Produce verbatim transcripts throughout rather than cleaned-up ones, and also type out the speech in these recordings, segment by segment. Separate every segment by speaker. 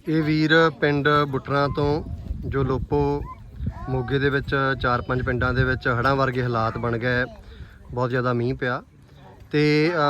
Speaker 1: ਇਹ ਵੀਰ ਪਿੰਡ ਬੁੱਟਰਾਂ ਤੋਂ ਜੋ ਲੋਪੋ ਮੋਗੇ ਦੇ ਵਿੱਚ ਚਾਰ ਪੰਜ ਪਿੰਡਾਂ ਦੇ ਵਿੱਚ ਹੜ੍ਹਾਂ ਵਰਗੇ ਹਾਲਾਤ ਬਣ ਗਏ, ਬਹੁਤ ਜ਼ਿਆਦਾ ਮੀਂਹ ਪਿਆ ਤੇ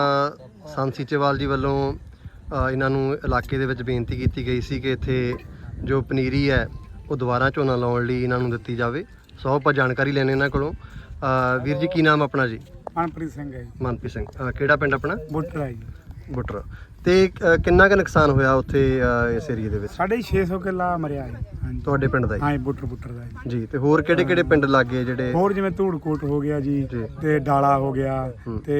Speaker 1: ਸੰਤ ਸੀਚੇਵਾਲ ਜੀ ਵੱਲੋਂ ਇਹਨਾਂ ਨੂੰ ਇਲਾਕੇ ਦੇ ਵਿੱਚ ਬੇਨਤੀ ਕੀਤੀ ਗਈ ਸੀ ਕਿ ਇੱਥੇ ਜੋ ਪਨੀਰੀ ਹੈ ਉਹ ਦੁਬਾਰਾ ਝੋਨਾ ਲਾਉਣ ਲਈ ਇਹਨਾਂ ਨੂੰ ਦਿੱਤੀ ਜਾਵੇ। ਸੋ ਆਪਾਂ ਜਾਣਕਾਰੀ ਲੈਣੇ ਇਹਨਾਂ ਕੋਲੋਂ। ਵੀਰ ਜੀ ਕੀ ਨਾਮ ਆਪਣਾ ਜੀ?
Speaker 2: ਮਨਪ੍ਰੀਤ ਸਿੰਘ ਹੈ ਜੀ।
Speaker 1: ਮਨਪ੍ਰੀਤ ਸਿੰਘ, ਕਿਹੜਾ ਪਿੰਡ ਆਪਣਾ?
Speaker 2: ਬੁੱਟਰ ਹੈ ਜੀ।
Speaker 1: ਬੁੱਟਰ। ਤੇ ਕਿੰਨਾ ਕੁ ਨੁਕਸਾਨ ਹੋਇਆ ਉੱਥੇ ਇਸ ਏਰੀਏ ਦੇ ਵਿੱਚ?
Speaker 2: ਸਾਢੇ ਛੇ ਸੌ ਕਿੱਲਾ ਮਰਿਆ ਹੈ। ਹਾਂਜੀ
Speaker 1: ਤੁਹਾਡੇ ਪਿੰਡ ਦਾ
Speaker 2: ਹਾਂ, ਬੁੱਟਰ ਬੁੱਟਰ ਦਾ
Speaker 1: ਜੀ। ਤੇ ਹੋਰ ਕਿਹੜੇ ਕਿਹੜੇ ਪਿੰਡ ਲੱਗੇ ਜਿਹੜੇ?
Speaker 2: ਹੋਰ ਜਿਵੇਂ ਧੂੜਕੋਟ ਹੋ ਗਿਆ ਜੀ, ਤੇ ਡਾਲਾ ਹੋ ਗਿਆ, ਤੇ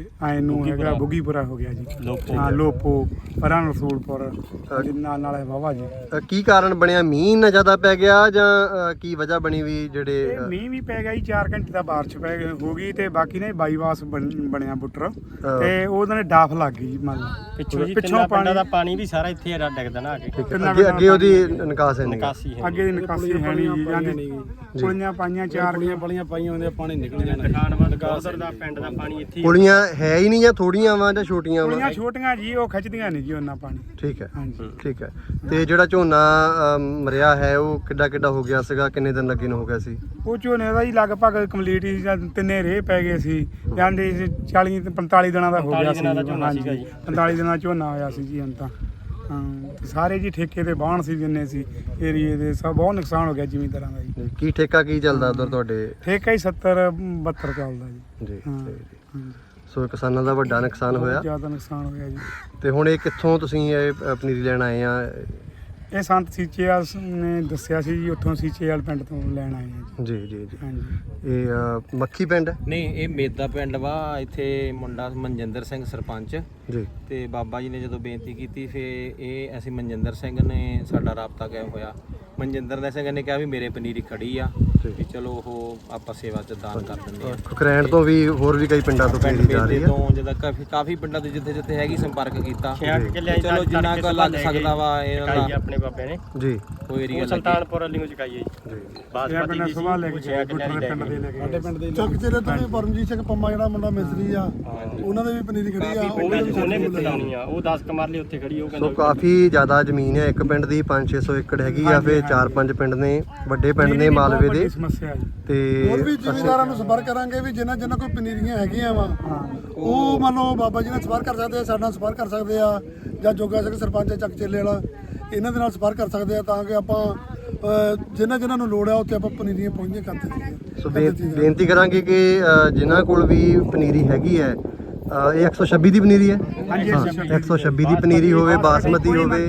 Speaker 2: ਐ ਨੂੰ ਹੈਗਾ ਬੁੱਗੀਪੁਰਾ ਹੋ ਗਿਆ ਜੀ, ਹਾਂ ਲੋਪੋ, ਪਰਾਂ ਰਸੂਲਪੁਰ ਨਾਲ ਨਾਲ ਵਾਵਾ ਜੀ।
Speaker 1: ਕੀ ਕਾਰਨ ਬਣਿਆ? ਮੀਂਹ ਨਾ ਜ਼ਿਆਦਾ ਪੈ ਗਿਆ ਜਾਂ ਕੀ ਵਜ੍ਹਾ ਬਣੀ ਵੀ ਜਿਹੜੇ?
Speaker 2: ਮੀਂਹ ਵੀ ਪੈ ਗਿਆ ਜੀ, ਚਾਰ ਘੰਟੇ ਦਾ ਬਾਰਿਸ਼ ਪੈ ਹੋ ਗਈ ਤੇ ਬਾਕੀ ਨੇ ਬਾਈਵਾਸ ਬਣਿਆ ਬੁੱਟਰ ਤੇ ਉਹਦੇ ਨੇ ਡਾਫ ਲੱਗ ਗਈ ਜੀ। ਮੰਨ ਲਓ
Speaker 3: ਪਿੱਛੋਂ ਪਾਣੀ ਦਾ ਪਾਣੀ ਵੀ ਸਾਰਾ ਇੱਥੇ ਡਿੱਗਦਾ ਨਾ ਅੱਗੇ
Speaker 1: ਅੱਗੇ ਅੱਗੇ ਉਹਦੀ ਨਿਕਾਸ ਹੈ ਨਹੀਂ,
Speaker 2: ਅੱਗੇ ਦੀ ਨਿਕਾਸੀ ਹੈ ਨਹੀਂ ਜਾਂਦੀ। ਪੁਲੀਆਂ ਪਾਈਆਂ, ਚਾਰ
Speaker 3: ਪੁਲੀਆਂ ਪਾਈਆਂ ਹੁੰਦੀਆਂ, ਪਾਣੀ ਨਿਕਲ ਜਾਣਾ। ਦੁਕਾਨ ਬੰਦ ਉਧਰ ਦਾ ਪਿੰਡ ਦਾ ਪਾਣੀ ਇੱਥੇ।
Speaker 1: ਪੁਲੀਆਂ ਹੈ ਹੀ ਨਹੀਂ ਜਾਂ ਥੋੜੀਆਂ ਵਾ ਜਾਂ ਛੋਟੀਆਂ ਵਾ?
Speaker 2: ਪੁਲੀਆਂ ਛੋਟੀਆਂ ਜੀ, ਉਹ ਖਿੱਚਦੀਆਂ ਨਹੀਂ ਜੀ ਉਹਨਾਂ ਪਾਣੀ।
Speaker 1: ਠੀਕ ਹੈ,
Speaker 2: ਹਾਂਜੀ
Speaker 1: ਠੀਕ ਹੈ। ਤੇ ਜਿਹੜਾ ਝੋਨਾ ਮਰਿਆ ਹੈ ਉਹ ਕਿੱਡਾ ਕਿੱਡਾ ਹੋ ਗਿਆ ਸੀਗਾ? ਕਿੰਨੇ ਦਿਨ ਲੱਗੇ ਨੂੰ ਹੋ ਗਿਆ ਸੀ?
Speaker 2: ਉਹ ਝੋਨੇ ਦਾ ਜੀ ਲਗਭਗ ਕੰਪਲੀਟ ਹੀ ਤਿੰਨੇ ਰੇਹ ਪੈ ਗਏ ਸੀ, ਜਾਂਦੇ ਚਾਲੀ ਪੰਤਾਲੀ ਦਿਨਾਂ ਦਾ ਹੋ ਗਿਆ ਸੀ। ਹਾਂਜੀ ਪੰਤਾਲੀ ਦਿਨਾਂ ਝੋਨਾ ਹੋਇਆ ਸੀ ਜੀ ਹੁਣ ਤਾਂ। ਹਾਂ ਸਾਰੇ ਜੀ ਠੇਕੇ ਤੇ ਬਾਹਣ ਸੀ, ਜਿੰਨੇ ਸੀ ਏਰੀਏ ਦੇ, ਸਭ ਬਹੁਤ ਨੁਕਸਾਨ ਹੋ ਗਿਆ ਜ਼ਿਮੀਂਦਾਰਾਂ ਦਾ ਜੀ।
Speaker 1: ਕੀ ਠੇਕਾ ਕੀ ਚੱਲਦਾ ਉਧਰ ਤੁਹਾਡੇ?
Speaker 2: ਠੇਕਾ ਹੀ ਸੱਤਰ ਬਹੱਤਰ ਚੱਲਦਾ ਜੀ।
Speaker 1: ਜੀ
Speaker 2: ਹਾਂ,
Speaker 1: ਸੋ ਕਿਸਾਨਾਂ ਦਾ ਵੱਡਾ ਨੁਕਸਾਨ ਹੋਇਆ,
Speaker 2: ਜ਼ਿਆਦਾ ਨੁਕਸਾਨ ਹੋਇਆ ਜੀ।
Speaker 1: ਤੇ ਹੁਣ ਇਹ ਕਿੱਥੋਂ ਤੁਸੀਂ ਇਹ ਪਨੀਰੀ ਲੈਣ ਆਏ ਆ?
Speaker 2: ਇਹ ਸੰਤ ਸੀਚੇਵਾਲ ਨੇ ਦੱਸਿਆ ਸੀ ਜੀ, ਉੱਥੋਂ ਸੀਚੇਵਾਲ ਪਿੰਡ ਤੋਂ ਲੈਣ ਆਏ ਆ
Speaker 1: ਜੀ। ਜੀ ਜੀ
Speaker 2: ਹਾਂਜੀ।
Speaker 1: ਇਹ ਮੱਖੀ ਪਿੰਡ?
Speaker 3: ਨਹੀਂ, ਇਹ ਮੇਦਾ ਪਿੰਡ ਵਾ। ਇੱਥੇ ਮੁੰਡਾ ਮਨਜਿੰਦਰ ਸਿੰਘ ਸਰਪੰਚ
Speaker 1: ਜੀ, ਤੇ
Speaker 3: ਬਾਬਾ ਜੀ ਨੇ ਜਦੋਂ ਬੇਨਤੀ ਕੀਤੀ ਫੇ ਇਹ ਅਸੀਂ ਮਨਜਿੰਦਰ ਸਿੰਘ ਨੇ ਸਾਡਾ ਰਾਬਤਾ ਕਾਇਮ ਹੋਇਆ। ਮਨਜਿੰਦਰ ਸਿੰਘ ਨੇ ਕਿਹਾ ਵੀ ਮੇਰੇ ਪਨੀਰੀ ਖੜੀ ਆ ਵੀ ਚਲੋ ਉਹ ਆਪਾਂ ਸੇਵਾ ਚ ਦਾਨ ਕਰ ਦਿੰਦੇ ਆ।
Speaker 1: ਖੁਕਰੈਣ ਤੋਂ ਵੀ ਹੋਰ ਵੀ ਕਈ ਪਿੰਡਾਂ ਤੋਂ ਪਨੀਰੀ ਜਾ ਰਹੀ ਹੈ
Speaker 3: ਤੋਂ ਜਿੱਦਾਂ ਕਾਫੀ ਕਾਫੀ ਪਿੰਡਾਂ ਤੋਂ ਜਿੱਥੇ ਜਿੱਥੇ ਹੈਗੀ ਸੰਪਰਕ ਕੀਤਾ। ਚਲੋ ਜਿੰਨਾ ਕੁ ਲੱਗ ਸਕਦਾ ਵਾ ਇਹਨਾਂ ਦਾ
Speaker 4: ਆਪਣੇ ਬਾਬੇ ਨੇ
Speaker 1: ਜੀ।
Speaker 3: ਕੋਈ ਏਰੀਆ
Speaker 4: ਸੁਲਤਾਨਪੁਰ ਵਾਲੀ ਨੂੰ ਚੁਕਾਈਏ ਜੀ।
Speaker 2: ਬਾਸਮਤੀ ਦੀ ਸਵਾਲ ਲੈ ਕੇ ਗੁੱਟਰ ਪਿੰਡ ਦੇ ਲੈ ਕੇ
Speaker 5: ਸਾਡੇ ਪਿੰਡ ਦੇ ਚੱਕ ਚੇਰੇ ਤੋਂ ਵੀ ਪਰਮਜੀਤ ਸਿੰਘ ਪੰਮਾ ਜਿਹੜਾ ਮੁੰਡਾ ਮਿਸਤਰੀ ਆ, ਉਹਨਾਂ ਦੇ ਵੀ ਪਨੀਰੀ ਖੜੀ ਆ।
Speaker 4: ਉਹਨੇ ਵੀ ਪਟਾਉਣੀ ਆ, ਉਹ ਦਸ ਕਮਰਲੇ ਉੱਥੇ ਖੜੀ। ਉਹ
Speaker 1: ਸੋ ਕਾਫੀ ਜ਼ਿਆਦਾ ਜ਼ਮੀਨ ਹੈ, ਇੱਕ ਪਿੰਡ ਦੀ ਪੰਜ ਛੇ ਸੌ ਏਕੜ ਹੈਗੀ ਆ, ਫਿਰ ਚਾਰ ਪੰਜ ਪਿੰਡ ਨੇ, ਵੱਡੇ ਪਿੰਡ ਨੇ ਮਾਲਵੇ ਦੇ।
Speaker 5: ਤੇ ਹੋਰ ਵੀ ਜ਼ਿਮੀਂਦਾਰਾਂ ਨੂੰ ਸੰਪਰਕ ਕਰਾਂਗੇ ਵੀ ਜਿਨ੍ਹਾਂ ਜਿਨ੍ਹਾਂ ਕੋਈ ਪਨੀਰੀਆਂ ਹੈਗੀਆਂ ਵਾ ਉਹ ਮੰਨ ਲਓ ਬਾਬਾ ਜੀ ਨਾਲ ਸੰਪਰਕ ਕਰ ਸਕਦੇ ਆ, ਸਾਡੇ ਨਾਲ ਸੰਪਰਕ ਕਰ ਸਕਦੇ ਆ, ਜਾਂ ਜੋਗਾ ਸਿੰਘ ਸਰਪੰਚ ਚੱਕ ਚੇਲੇ ਵਾਲਾ ਇਹਨਾਂ ਦੇ ਨਾਲ ਸੰਪਰਕ ਕਰ ਸਕਦੇ ਆ, ਤਾਂ ਕਿ ਆਪਾਂ ਜਿਨ੍ਹਾਂ ਜਿਨ੍ਹਾਂ ਨੂੰ ਲੋੜ ਆ ਉੱਥੇ ਆਪਾਂ ਪਨੀਰੀਆਂ ਪਹੁੰਚੀਆਂ ਕਰ ਦਿੱਤੀਆਂ।
Speaker 1: ਸੋ ਬੇਨਤੀ ਕਰਾਂਗੇ ਕਿ ਜਿਨ੍ਹਾਂ ਕੋਲ ਵੀ ਪਨੀਰੀ ਹੈਗੀ ਹੈ, ਇਹ ਇੱਕ ਸੌ ਛੱਬੀ ਦੀ ਪਨੀਰੀ ਹੈ, ਇੱਕ ਸੌ ਛੱਬੀ ਦੀ ਪਨੀਰੀ ਹੋਵੇ, ਬਾਸਮਤੀ ਹੋਵੇ,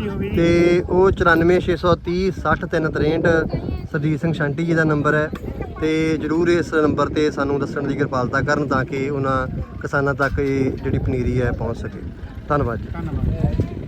Speaker 1: ਤੇ ਉਹ ਚੁਰਾਨਵੇਂ ਛੇ ਸੌ ਤੀਹ ਸੱਠ ਤਿੰਨ ਤਰੇਂਹਠ ਸਰਜੀਤ ਸਿੰਘ ਸ਼ਾਂਟੀ ਜੀ ਦਾ ਨੰਬਰ ਹੈ। ਤੇ ਜ਼ਰੂਰ ਇਸ ਨੰਬਰ ਤੇ ਸਾਨੂੰ ਦੱਸਣ ਦੀ ਕਿਰਪਾਲਤਾ ਕਰਨ ਤਾਂ ਕਿ ਉਹਨਾਂ ਕਿਸਾਨਾਂ ਤੱਕ ਇਹ ਜਿਹੜੀ ਪਨੀਰੀ ਹੈ ਪਹੁੰਚ ਸਕੇ। ਧੰਨਵਾਦ ਜੀ।
Speaker 2: ਧੰਨਵਾਦ।